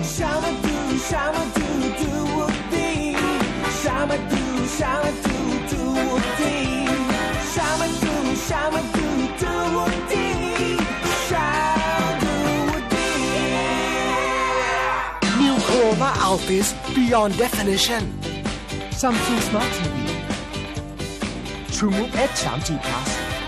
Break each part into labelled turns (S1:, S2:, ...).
S1: New Chroma Altis Beyond Definition Samsung Smart TV TrueMove X 3G Plus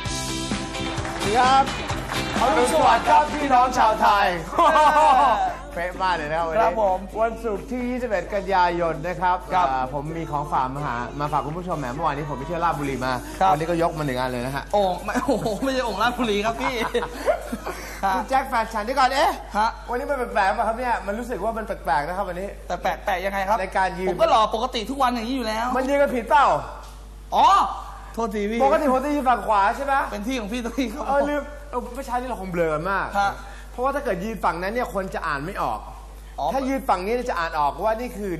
S2: ครับอรุณสวัสดิ์ครับพี่น้องชาวไทยเป๊ะมากเลยนะครับวันนี้วันศุกร์ที่ 21 กันยายนนะครับผมมีของฝากมาฝากคุณผู้ชมแหมเมื่อวานนี้ผมไปเที่ยวราชบุรีมาวันนี้ก็ยกมา1 อันเลยนะฮะ
S3: โอ่งไม่ใช่โอ่งราชบุรีครับพี่
S2: คุณแจ็คแฟนฉันที่ก่อนวันนี้มันแปลกๆป่ะครับเนี่ยมันรู้สึกว่ามันแปลกๆนะครับวันนี้
S3: แต่แปลกยังไงครับ
S2: ในการยืน
S3: ผมก็หล่อปกติทุกวันอย่างนี้อยู่แล้ว
S2: มันยืนกันผิดเปล่า
S3: อ๋อโทษทีพี่
S2: ปกติผมจะยืนฝั่งขวาใช่ไหม
S3: เป็นที่ของพี่ตัวนี้ครับ
S2: ลืมไม่ใช่ที่เราคงเบลอมากเพราะว่าถ้าเกิดยืนฝั่งนั้นเนี่ยคนจะอ่านไม่ออกถ้ายืนฝั่งนี้จะอ่านออกว่านี่คือ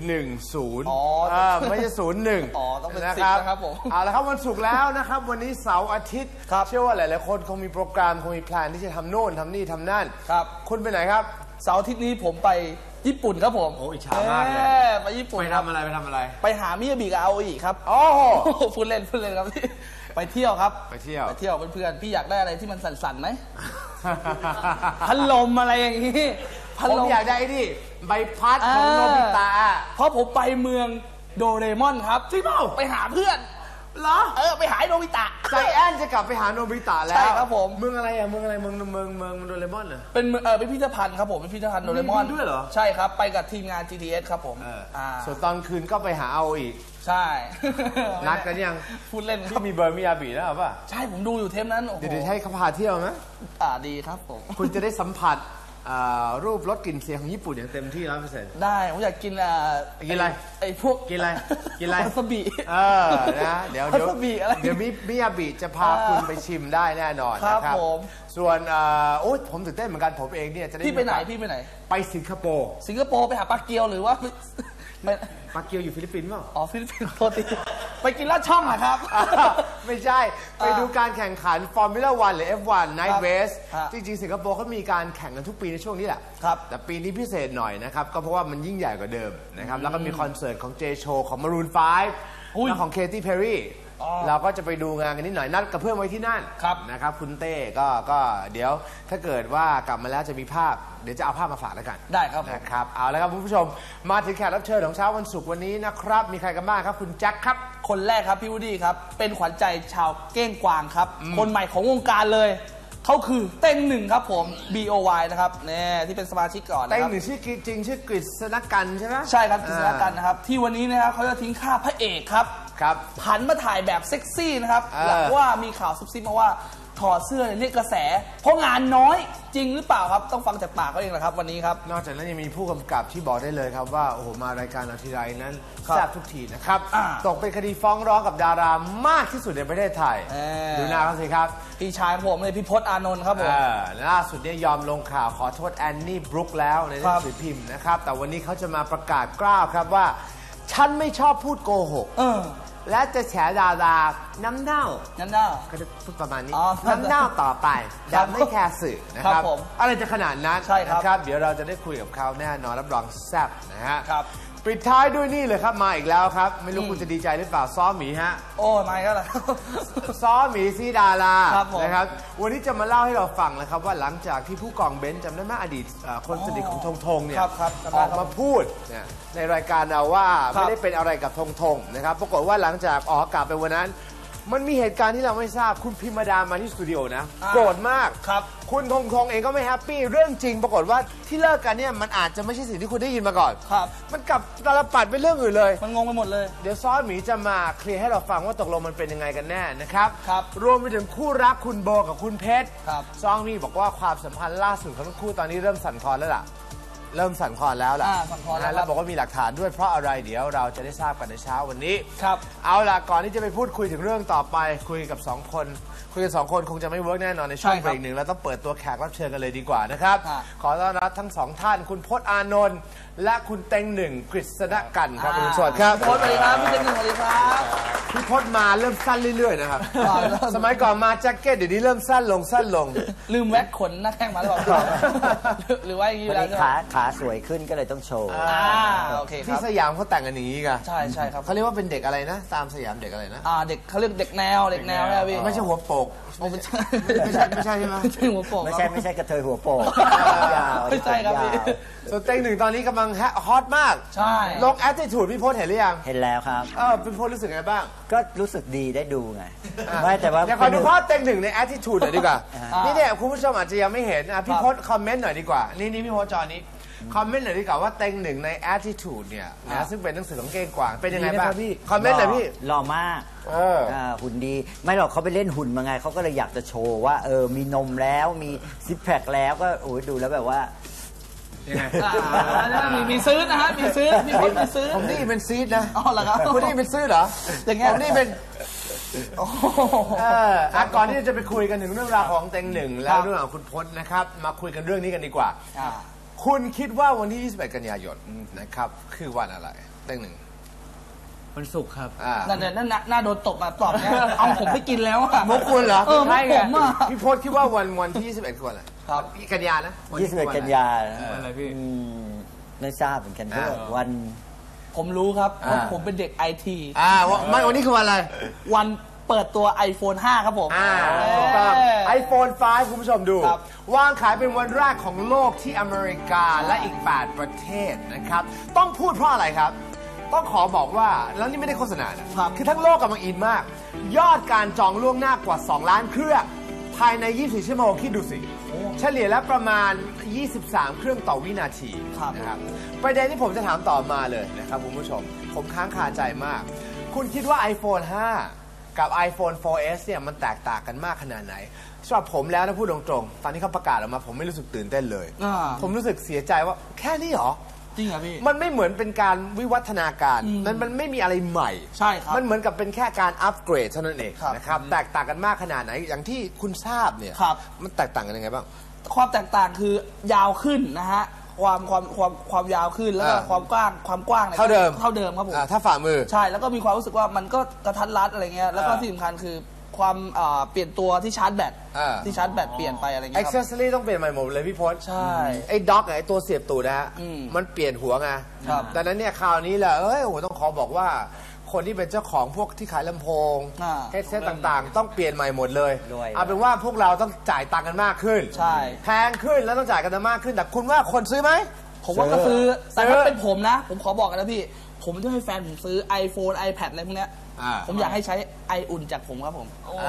S2: 10ไม่ใช่01
S3: ต้องเป็น10นะครับผม
S2: เอาละครับวันศุกร์แล้วนะครับวันนี้เสาร์อาทิตย์เชื่อว่าหลายๆคนคงมีโปรแกรมคงมีแพลนที่จะทำโน่นทำนี่ทำนั่น
S3: ครับ
S2: คุณไปไหนครับ
S3: เสาร์อาทิตย์นี้ผมไปญี่ปุ่นครับผม
S2: โอ้อิจฉามากเลย
S3: ไปญี่ปุ่น
S2: ไปทำอะไร
S3: ไปหามิยาบิกับอาโออิครับ
S2: โอ้โห
S3: พูดเล่นครับพี่ไปเที่ยวครับ
S2: ไปเที่ยว
S3: เพื่อนพี่อยากได้อะไรที่มันสั่นๆไหมพัดลมอะไรอย่างนี้
S2: ผมอยากได้นี่ใบพัดของโนบิตะ
S3: เพราะผมไปเมืองโดเรมอนครับ
S2: จริงเปล่า
S3: ไปหาเพื่อน
S2: เหรอ
S3: ไปหาโนบิตะ
S2: ใจแอนจะกลับไปหาโนบิตะแล้ว
S3: ใช่ครับผม
S2: เมืองอะไรเมืองโดเรมอนเหรอ
S3: เป็นเป็นพิพิธภัณฑ์ครับผมเป็นพิพิธภัณฑ์โดเรมอน
S2: ด้วยเหรอ
S3: ใช่ครับไปกับทีมงาน GTS ครับผม
S2: ส่วนตอนคืนก็ไปหาเอาอีก
S3: ใช่
S2: นัดกันยัง
S3: พูดเล่น
S2: ก็มีเบอร์มิยาบิแล้วป่ะ
S3: ใช่ผมดูอยู่เทปนั้น
S2: เดี๋ยวให้เขาพาเที่ยวไหม
S3: ดีครับผม
S2: คุณจะได้สัมผัสรูปรสกลิ่นเสียงของญี่ปุ่นอย่างเต็มที่ 100%
S3: ได้ผมอยากกิน
S2: อะไร
S3: ไอ้พวก
S2: กินอะไร
S3: วาซาบิ
S2: นะเดี๋ยวมิยาบิจะพาคุณไปชิมได้แน่นอนนะครับส่วนผมตื่นเต้นเหมือนกันผมเองเนี่ยจะได้
S3: พี่ไปไหน
S2: ไปสิงคโปร์
S3: ไปหาปลาเกียวหรือว่า
S2: ปลาเกียวอยู่ฟิลิปปินส์เปล่า
S3: ฟิลิปปินส์โทษทีไปกินลาดช่องนะครับ
S2: ไม่ใช่ไปดูการแข่งขันฟอร์มูล่า1หรือ F1 Night Race จริงๆสิงคโปร์เขามีการแข่งกันทุกปีในช่วงนี้แหละแต่ปีนี้พิเศษหน่อยนะครับก็เพราะว่ามันยิ่งใหญ่กว่าเดิมนะครับแล้วก็มีคอนเสิร์ตของ J Show ของ Maroon 5และของ Katy Perry เราก็จะไปดูงานกันนิดหน่อยนัดกับเพื่อนไว้ที่นั่นนะครับคุณเต้ก็เดี๋ยวถ้าเกิดว่ากลับมาแล้วจะมีภาพเดี๋ยวจะเอาภาพมาฝากแล้วกัน
S3: ได้ครับ
S2: นะครับเอาแล้วครับคุณผู้ชมมาถึงแขกรับเชิญของเช้าวันศุกร์วันนี้นะครับมีใครกันบ้างครับคุณแจ็คครับ
S3: คนแรกครับพี่วูดดี้ครับเป็นขวัญใจชาวเก้งกวางครับคนใหม่ของวงการเลยเขาคือเต้งหนึ่งครับผม BOY นะครับเนี่ยที่เป็นสมาชิกก่อนนะครับ
S2: เต้งหนึ่งชื่อจริงชื่อกฤษณกันใช่ไหม
S3: ใช่ครับกฤษณกันนะครับที่วันนี้นะครับเขาจะทิ้งค่าพระเอกครับผันมาถ่ายแบบเซ็กซี่นะครับหลังว่ามีข่าวซุบซิบมาว่าถอดเสื้อเรียกกระแสเพราะงานน้อยจริงหรือเปล่าครับต้องฟังจากปากเขาเองนะครับวันนี้ครับ
S2: นอกจากนั้นยังมีผู้กำกับที่บอกได้เลยครับว่าโอ้โหมารายการเราทีไรนั้นแซ่บทุกทีนะครับตกเป็นคดีฟ้องร้องกับดารามากที่สุดในประเทศไทยดูหน้าเขาสิครับ
S3: พี่ชายผมเลยพี่พจน์อานนท์ครับผม
S2: ล่าสุดเนี่ยยอมลงข่าวขอโทษแอนนี่บรุ๊คแล้วในหนังสือพิมพ์นะครับแต่วันนี้เขาจะมาประกาศกล้าวครับว่าฉันไม่ชอบพูดโกหกและจะแฉดาราน้ำเน่าก็จะพูดประมาณนี้น้ำเน่าต่อไปแบบไม่แคร์สื่อนะครับอะไรจะขนาดนั้นนะครับเดี๋ยวเราจะได้คุยกับเขาแน่นอนรับรองแซ่บนะฮะปิดท้ายด้วยนี่เลยครับมาอีกแล้วครับไม่รู้คุณจะดีใจหรือเปล่าซ้อหมีฮะ
S3: โอ้ไม่ก็แล้ว
S2: ซ้อหมีซีดารานะครับวันนี้จะมาเล่าให้เราฟังนะครับว่าหลังจากที่ผู้กองเบนซ์จำได้ไหมอดีตคนสนิทของธงธงเนี่ยออกมาพูดในรายการเราว่าไม่ได้เป็นอะไรกับธงธงนะครับปรากฏว่าหลังจากออกอากาศไปวันนั้นมันมีเหตุการณ์ที่เราไม่ทราบคุณพิมดามาที่สตูดิโอนะโกรธมากคุณธงธงเองก็ไม่แฮปปี้เรื่องจริงปรากฏว่าที่เลิกกันเนี่ยมันอาจจะไม่ใช่สิ่งที่คุณได้ยินมาก่อนมันกลับตาลปัดเป็นเรื่องอื่นเลย
S3: มันงงไปหมดเลย
S2: เดี๋ยวซ้อหมีจะมาเคลียร์ให้เราฟังว่าตกลงมันเป็นยังไงกันแน่นะครับรวมไปถึงคู่รักคุณโบกับคุณเพชรซ้อหมีบอกว่าความสัมพันธ์ล่าสุดของทั้งคู่ตอนนี้เริ่มสั่นคลอนแล้วล่ะเริ่มสั่นคลอนแล้วล่ะแล้วบอกว่ามีหลักฐานด้วยเพราะอะไรเดี๋ยวเราจะได้ทราบกันในเช้าวันนี้เอาล่ะก่อนที่จะไปพูดคุยถึงเรื่องต่อไปคุยกับ2 คนคงจะไม่เวิร์กแน่นอนในช่วงเบรกหนึ่งเราต้องเปิดตัวแขกรับเชิญกันเลยดีกว่านะครับขอต้อนรับทั้ง2 ท่านคุณพจน์อานนท์และคุณเต็งหนึ่งกฤษณกันครับสวัสดีครับ
S3: พจน์สวัสดีครับพี่เต็งหนึ่งสวัสดีครับ
S2: พี่พจน์มาเริ่มสั้นเรื่อยๆนะครับ สมัยก่อนมาแจ็คเก็ตเดี๋ยวนี้เริ่มสั้นลง
S3: ลืมแว็กขนหน้าแข้งมาหรือเปล่าหรือว่าอย่างนี้
S4: พอ
S3: แล้ว
S4: ดีขาสวยขึ้นก็เลยต้องโชว์
S3: โอเคค
S2: ที่
S3: รับ
S2: สยามเขาแต่งกันอย่างนี้กัน
S3: ใช่ครับ
S2: เขาเรียกว่าเป็นเด็กอะไรนะ ตามสยามเด็กอะไรนะ
S3: เด็กเขาเรียกเด็กแนวนะพี่
S2: ไม่ใช่หัวโปก
S3: ไม่ใช่
S2: ไม่ใช่ใช่ไหม
S3: ไม่ใช่หัวโปก
S4: ไม่ใช่กระเทยหัวโปกยาว
S3: ไม่ใช่ครับพี่
S2: ส่วนเต็งหนึ่งตอนนี้กำลังฮอตมาก
S3: ใช่
S2: ลง attitude พี่พจน์เห็นหรือยัง
S4: เห็นแล้วครับ
S2: พี่พจน์รู้สึกไงบ้าง
S4: ก็รู้สึกดีได้ดูไงไม่แต่ว่า
S2: เดี๋ยวขอดูภาพเต็งหนึ่งใน attitude หน่อยดีกว่า
S3: อ่านี่
S2: นี่เนี่ยคุณผู้ชมอาจจะยังไม่เห็นพี่พจน์คอมเมนต์หน่อยดีกว่า นี่พี่พจน์จอนี้คอมเมนต์หน่อยดีกว่าว่าเต็งหนึ่งใน attitude เนี่ยนะซึ่งเป็นหนังสือของเก้งกวางเป็นยังไงบ้างคอมเมนต์หน่อยพี่
S4: หล่อมาก หุ่นดีไม่หรอกเขาไปเล่นหุ่นมาไงเขาก็เลยอยากจะโชว์ว่ามีนมแล้วมีซิปแพคแล้วก็โอ้ยดูแล้วแบบว่า
S2: ยังไง
S3: มีซื้อนะฮะมีซื้อมีคนมีซื้อ
S2: ผมนี่เป็นซีดนะ
S3: อ๋อเหรอครับ
S2: คุณนี่เป็นซื้อเหรอ
S3: อย่างเงี้ย
S2: ผมนี่เป็น
S3: โอ้โห
S2: ก่อนที่จะไปคุยกันถึงเรื่องราวของเต็งหนึ่งแล้วเรื่องของคุณพจน์นะครับมาคุยกันเรื่องนี้กันดีกว่า คุณคิดว่าวันที่ 21 กันยายนนะครับคือวันอะไรเต็งหนึ่ง
S1: วันศุกร์ครับ
S3: นั่นน่าโดนตบมาตอบเนี่ยเอาผมไปกินแล้วอะ
S2: มุกคุณเหรอ
S3: มุกผมอะ
S2: พี่พจน์คิดว่าวันที่ 21คือวันอะไร
S3: ครับ
S2: กันยานะ
S4: 21 กันยา
S1: วันอะไรพี่
S4: ไม่ทราบเหมือนกันด้วยวัน
S3: ผมรู้ครับเพราะผมเป็นเด็กไอที
S2: วันนี้คือวันอะไร
S3: วันเปิดตัว iPhone 5 ครับผม
S2: ถูกต้อง iPhone 5 คุณผู้ชมดู
S3: ครับ
S2: วางขายเป็นวันแรกของโลกที่อเมริกาและอีก 8 ประเทศนะครับ ต้องพูดเพราะอะไรครับ ต้องขอบอกว่า แล้วนี่ไม่ได้โฆษณานะคือทั้งโลกกำลังอินมาก ยอดการจองล่วงหน้ากว่า 2 ล้านเครื่อง ภายใน 24 ชั่วโมงคิดดูสิ เฉลี่ยแล้วประมาณ 23 เครื่องต่อวินาทีนะครับ ประเด็นที่ผมจะถามต่อมาเลยนะครับคุณผู้ชม ผมค้างคาใจมาก คุณคิดว่า iPhone 5 กับ iPhone 4S เนี่ยมันแตกต่างกันมากขนาดไหนสำหรับผมแล้วนะพูดตรงๆ ตอนที่เขาประกาศออกมาผมไม่รู้สึกตื่นเต้นเลย ผมรู้สึกเสียใจว่าแค่นี้เหรอ
S3: จริงเหรอพี่
S2: มันไม่เหมือนเป็นการวิวัฒนาการ มันไม่มีอะไรใหม่
S3: ใช่ครับ
S2: มันเหมือนกับเป็นแค่การอัปเกรดเท่านั้นเอง
S3: ครับ
S2: นะครับ แตกต่างกันมากขนาดไหน อย่างที่คุณทราบเนี่ย
S3: ครับ
S2: มันแตกต่างกันยังไงบ้าง
S3: ความแตกต่างคือยาวขึ้นนะฮะความยาวขึ้นแล้วก็ความกว้างนี่ย
S2: เท่าเดิม
S3: เท่าเดิมครับผม
S2: ถ้าฝ่ามือ
S3: ใช่แล้วก็มีความรู้สึกว่ามันก็กระทัดรัดอะไรเงี้ยแล้วก็ที่สำคัญคือความเปลี่ยนตัวที่ชาร์จแบตที่ชาร์จแบตเปลี่ยนไปอะไรเงี้ยครับ
S2: accessory ต้องเปลี่ยนใหม่หมดเลยพี่พจน์
S3: ใช่
S2: ไอ้ด็อกไอ้ตัวเสียบตูดนะฮะ
S3: อืม
S2: มันเปลี่ยนหัวไง
S3: ครับ
S2: ดังนั้นเนี่ยคราวนี้แหละโอ้โหต้องขอบอกว่า คนที่เป็นเจ้าของพวกที่ขายลำโพงเฮดเซตต่างๆ ต้องเปลี่ยนใหม่หมดเลย
S4: ด้วย
S2: เอาเป็นว่าพวกเราต้องจ่ายตังค์กันมากขึ้น
S3: ใช่
S2: แพงขึ้นแล้วต้องจ่ายกันมากขึ้น แต่คุณว่าคนซื้อไหม
S3: ผมว่าก็ซื้อแต่ถ้าเป็นผมนะ ผมขอบอกกันนะพี่ ผมจะให้แฟนผมซื้อ iPhone iPad อะไรพวกเนี้ยผมอยากให้ใช้ไออุ่นจากผมครับผม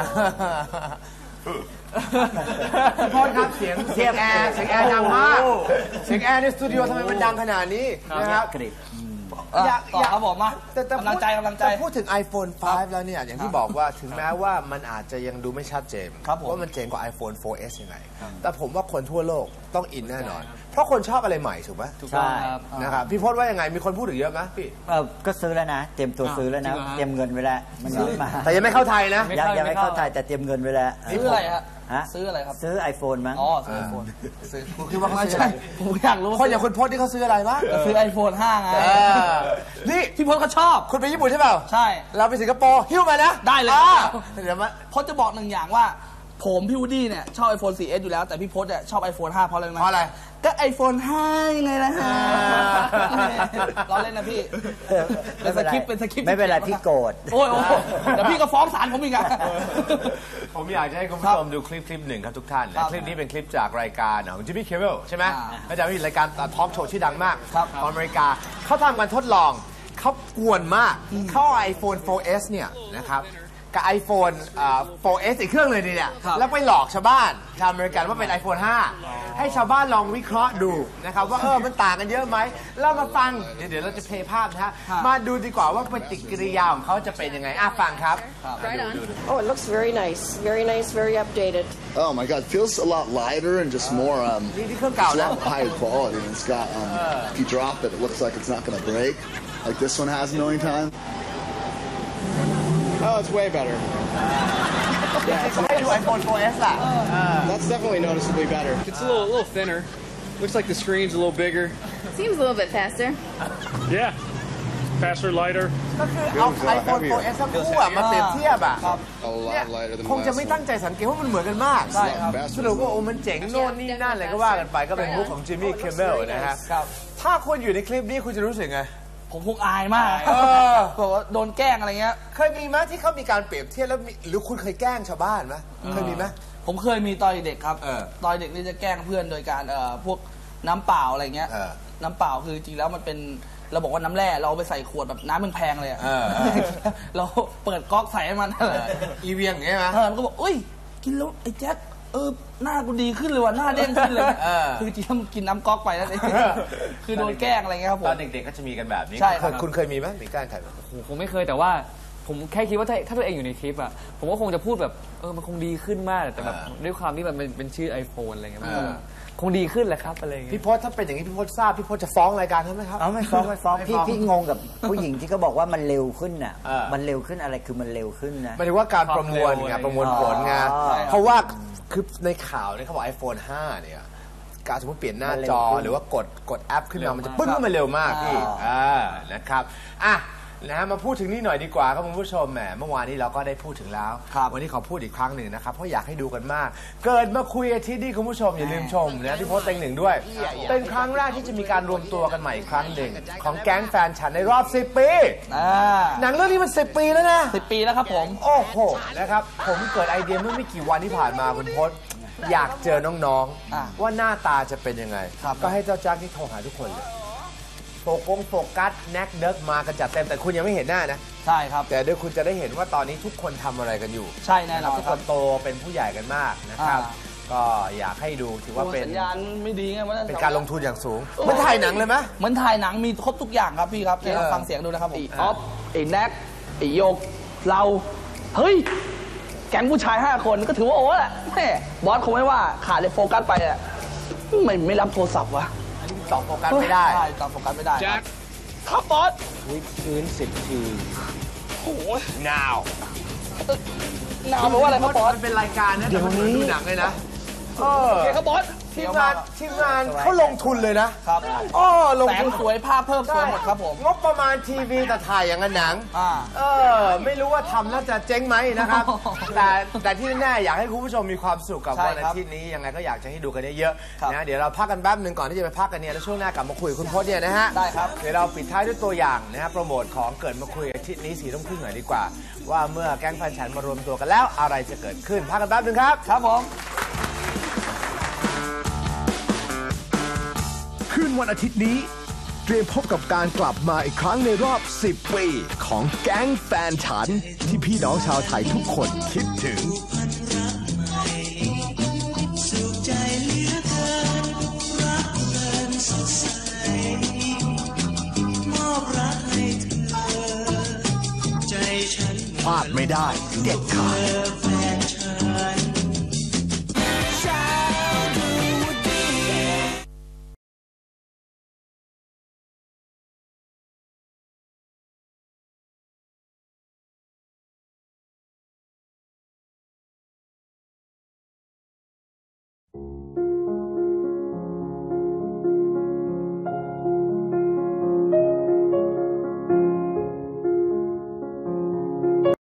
S2: โทษครับเสียงแอร์ดังมากเสียงแอร์ในสตูดิโอทำไมมันดังขนาดนี้นะครับ
S4: กริบ
S3: ต่อครับผมมา
S2: แต่
S3: กำลังใจ
S2: แต่พูดถึง iPhone 5 แล้วเนี่ยอย่างที่บอกว่าถึงแม้ว่ามันอาจจะยังดูไม่ชัดเจน
S3: ครับผม
S2: ว่ามันเจ๋งกว่า iPhone 4S ยังไง แต่ผมว่าคนทั่วโลกต้องอินแน่นอน เพราะคนชอบอะไรใหม่ถูกไหม
S4: ใช่
S2: นะครับพี่พจน์ว่ายังไงมีคนพูดถึงเยอะไหมพี่
S4: ก็ซื้อแล้วนะ เตรียมตัวซื้อแล้วนะ เตรียมเงินไว้แล้วมันยังไม่มา
S2: แต่ยังไม่เข้าไทยนะ
S4: ยังไม่เข้าไทยแต่เตรียมเงินไว้แล้ว
S3: ซื้ออะไรฮะ
S4: ฮะ
S3: ซื้ออะไรครับ
S4: ซื้อ iPhone มั้ง
S3: อ๋อซื้อ iPhone
S2: คุณคิดว่าเขา
S3: ไม่
S2: ซื้อ
S3: ใช่
S2: อะไร
S3: ผมอยากรู้
S2: คนอย่างคุณพจน์ที่เขาซื้ออะไรบ้าง
S3: ซื้อ iPhone 5 ไง
S2: นี่
S3: พี่พจน์เขาชอบ
S2: คุณไปญี่ปุ่นใช่เปล่า
S3: ใช่
S2: เราไปสิงคโปร์หิ้วมานะ
S3: ได้เลย
S2: เดี๋ยวมา
S3: พจน์จะบอกหนึ่งอย่างว่า ผมพี่วูดดี้เนี่ยชอบ iPhone 4S อยู่แล้ว แต่พี่พจน์เนี่ยชอบ iPhone 5 เพราะอะไรรู้ไหม
S2: เพราะอะไร
S3: ก็ iPhone 5 ไงล่ะฮะล้อเล่นนะพี่ เป็นสคริปต์
S4: ไม่เป็นไรพี่โกรธ
S3: โอ้ยเดี๋ยวพี่ก็ฟ้องศาลผมอีกอะ
S2: ผมอยากจะให้คุณผู้ชมดูคลิปหนึ่งครับทุกท่านคลิปนี้เป็นคลิปจากรายการของจิมมี่เคเบิลใช่ไหมอาจารย์มีรายการทอล์กโชว์ชื่อดังมากของอเมริกาเขาทำการทดลองเขากวนมากเขาเอา iPhone 4S เนี่ยนะครับกับ iPhone 4S อีกเครื่องเลยเนี่ยแล้วไปหลอกชาวบ้านชาวอเมริกันว่าเป็น iPhone 5 ให้ชาวบ้านลองวิเคราะห์ดูนะครับว่ามันต่างกันเยอะไหมเรามาฟังเดี๋ยวเราจะเพลย์ภาพนะฮะมาดูดีกว่าว่าปฏิกิริยาของเขาจะเป็นยังไงฟังครับ
S5: Right on. Oh, it looks very nice, very updated.
S6: Oh my god, it feels a lot lighter and just more
S2: นี่เครื่องเก่า
S6: it's a
S2: นะ
S6: lot higher quality. And it's got if you drop it, it looks like it's not gonna break, like this one has a million times.
S7: Oh, it's way better.
S2: ให้ดู iPhone 4S ล่ะ
S7: That's definitely noticeably better. It's a little thinner. Looks like the screen's a little bigger.
S8: Seems a little bit faster.
S7: Yeah.
S8: faster, lighter.
S2: ก็คือเอา iPhone 4S ทั้งคู่อะมาเปรียบเทียบอะ
S6: A lot lighter than
S2: คงจะไม่ตั้งใจสังเกตว่ามันเหมือนกันมาก
S3: ใช่ครับ
S2: สรุปว่าโอ้มันเจ๋งโน่นนี่นั่นอะไรก็ว่ากันไปก็เป็นมุกของจิมมี่คิมเมลนะฮะ
S3: ครับ
S2: ถ้าคุณอยู่ในคลิปนี้คุณจะรู้สึกไง
S3: ผมคงอายมาก
S2: เออ
S3: บอกว่าโดนแกล้งอะไรเงี้ย
S2: เคยมีไหมที่เขามีการเปรียบเทียบแล้วหรือคุณเคยแกล้งชาวบ้านไหมเคยมีไหม
S3: ผมเคยมีตอนเด็กครับ
S2: เออ
S3: ตอนเด็กนี่จะแกล้งเพื่อนโดยการพวกน้ำเปล่าอะไรเงี้ย
S2: เออ
S3: น้ำเปล่าคือจริงแล้วมันเป็นเราบอกว่าน้ำแร่เราเอาไปใส่ขวดแบบน้ำแพงๆเลยอะ
S2: เออ
S3: เราเปิดก๊อกใส่ให้มันอะไร
S2: อีเวียงอย่างเงี้ยไหม
S3: มันก็บอกอุ้ยกินแล้วไอ้แจ็คหน้ากูดีขึ้นเลยว่ะหน้าเด้งขึ้นเลย
S2: เออ
S3: คือจริงๆมันกินน้ำก๊อกไปนั่นเองคือโดนแกล้งอะไรเงี้ยครับผม
S2: ตอนเด็กๆก็จะมีกันแบบนี้
S3: ใช่ครับ
S2: คุณเคยมีไหมมีแกล้งใครไหม
S9: ผมไม่เคยแต่ว่าผมแค่คิดว่าถ้าตัวเองอยู่ในคลิปอะผมก็คงจะพูดแบบมันคงดีขึ้นมากแต่แบบด้วยความที่มันเป็นชื่อ iPhone อะไรเงี้ยมันก็แบบคงดีขึ้นแหละครับอะไรเงี้ย
S2: พี่พศถ้าเป็นอย่างนี้พี่พศทราบพี่พศจะฟ้องรายการใช่ไหมครับ
S4: เอาไม่ฟ้อง
S2: ไม่ฟ้อง
S4: พี่งงกับผู้หญิงที่เขาบอกว่ามันเร็วขึ้นน่ะ
S2: เออ
S4: มันเร็วขึ้นอะไรคือมันเร็วขึ้นนะ
S2: หมายถึงว่าการประมวลไงประมวลผลไง
S4: อ๋อ
S2: เพราะว่าคือในข่าวเนี่ยเขาบอก iPhone 5 เนี่ยการสมมติเปลี่ยนหน้าจอหรือว่ากดแอปขึ้นมามันจะปึ้งขึ้นมาเร็วมากพี่นะครับนะฮะมาพูดถึงนี่หน่อยดีกว่าครับคุณผู้ชมแหมเมื่อวานนี้เราก็ได้พูดถึงแล้ว วันนี้ขอพูดอีกครั้งหนึ่งนะครับเพราะอยากให้ดูกันมาก เกิดมาคุยอาทิตย์นี้คุณผู้ชมอย่าลืมชมนะที่โพสต์เต็งหนึ่งด้วย เป็นครั้งแรกที่จะมีการรวมตัวกันใหม่อีกครั้งหนึ่งของแก๊งแฟนฉันในรอบ10 ปีหนังเรื่องนี้มัน10 ปีแล้วนะ
S3: 10 ปีแล้วครับผม
S2: โอ้โหนะครับผมเกิดไอเดียเมื่อไม่กี่วันที่ผ่านมาคุณพศอยากเจอน้องๆว่าหน้าตาจะเป็นยังไงก็ให้เจ้าแจ็คนี่โทรหาทุกคนเลยโฟกัสแน็กเดิร์กมากันจัดเต็มแต่คุณยังไม่เห็นหน้านะ
S3: ใช่ครับ
S2: แต่เดี๋ยวคุณจะได้เห็นว่าตอนนี้ทุกคนทำอะไรกันอยู่
S3: ใช่แน่นอน
S2: ทุกคนโตเป็นผู้ใหญ่กันมากนะครับก็อยากให้ดูถือว่าเป็น
S3: สัญญาณไม่ดีไงว่า
S2: เป็นการลงทุนอย่างสูงเหมันถ่ายหนังเลยไหม
S3: เหมือนถ่ายหนังมีครบทุกอย่างครับพี่ครับเดี๋ยวฟังเสียงดูนะครับผมออฟไอ้แน็กไอ้โยกเราเฮ้ยแก๊งผู้ชาย5 คนก็ถือว่าโอ้แหละแม่บอสคงไม่ว่าขาดเลยโฟกัสไปอ่ะไม่รับโทรศัพท์วะ
S2: ตอบโฟกัสไม่ได้
S3: ใช่ตอบโฟกัสไม่ได้
S7: Jack
S3: ครับบอส
S2: วิดพื้น10 ที
S3: โอ้ย
S2: now
S3: หนาวแปลว่าอะไรครับบอส
S2: มันเป็นรายการนะแต่มันเหมือนดูหนังเลยนะ
S3: โอเคครับบอส
S2: ทีมงานเขาลงทุนเลยนะครับลง
S3: แส
S2: ทุ
S3: ง
S2: น
S3: สวยภาพเพิ่มสวยหมดครับผม
S2: งบประมาณทีวีแต่ถ่ายอย่างกับหนังไม่รู้ว่าทำแล้วจะเจ๊งไหมนะครับ แต่ที่แน่ๆอยากให้คุณผู้ชมมีความสุขกับ
S3: ใช่
S2: วัน
S3: ครั
S2: อา
S3: บ
S2: ทิตย์นี้ยังไงก็อยากจะให้ดูกันเยอะ
S3: ครับ
S2: ๆนะเดี๋ยวเราพักกันแป๊บหนึ่งก่อนที่จะไปพักกันเนี่ยแล้วช่วงหน้ากลับมาคุยกับคุณพจน์เนี่ยนะฮะ
S3: ได้ครับ
S2: เดี๋ยวเราปิดท้ายด้วยตัวอย่างนะฮะโปรโมทของเกิดมาคุยอาทิตย์นี้4 ทุ่มครึ่งหน่อยดีกว่า ว่าเมื่อแก๊งแฟนฉันมารวมตัวกันแล้วอะไรจะเกิดขึ้นพักกันแป๊บหนึ่งครับ
S3: ครับผม
S1: คืนวันอาทิตย์นี้เตรียมพบกับการกลับมาอีกครั้งในรอบ 10 ปีของแก๊งแฟนฉันที่พี่น้องชาวไทยทุกคนคิดถึง พลาดไม่ได้เด็ดขาด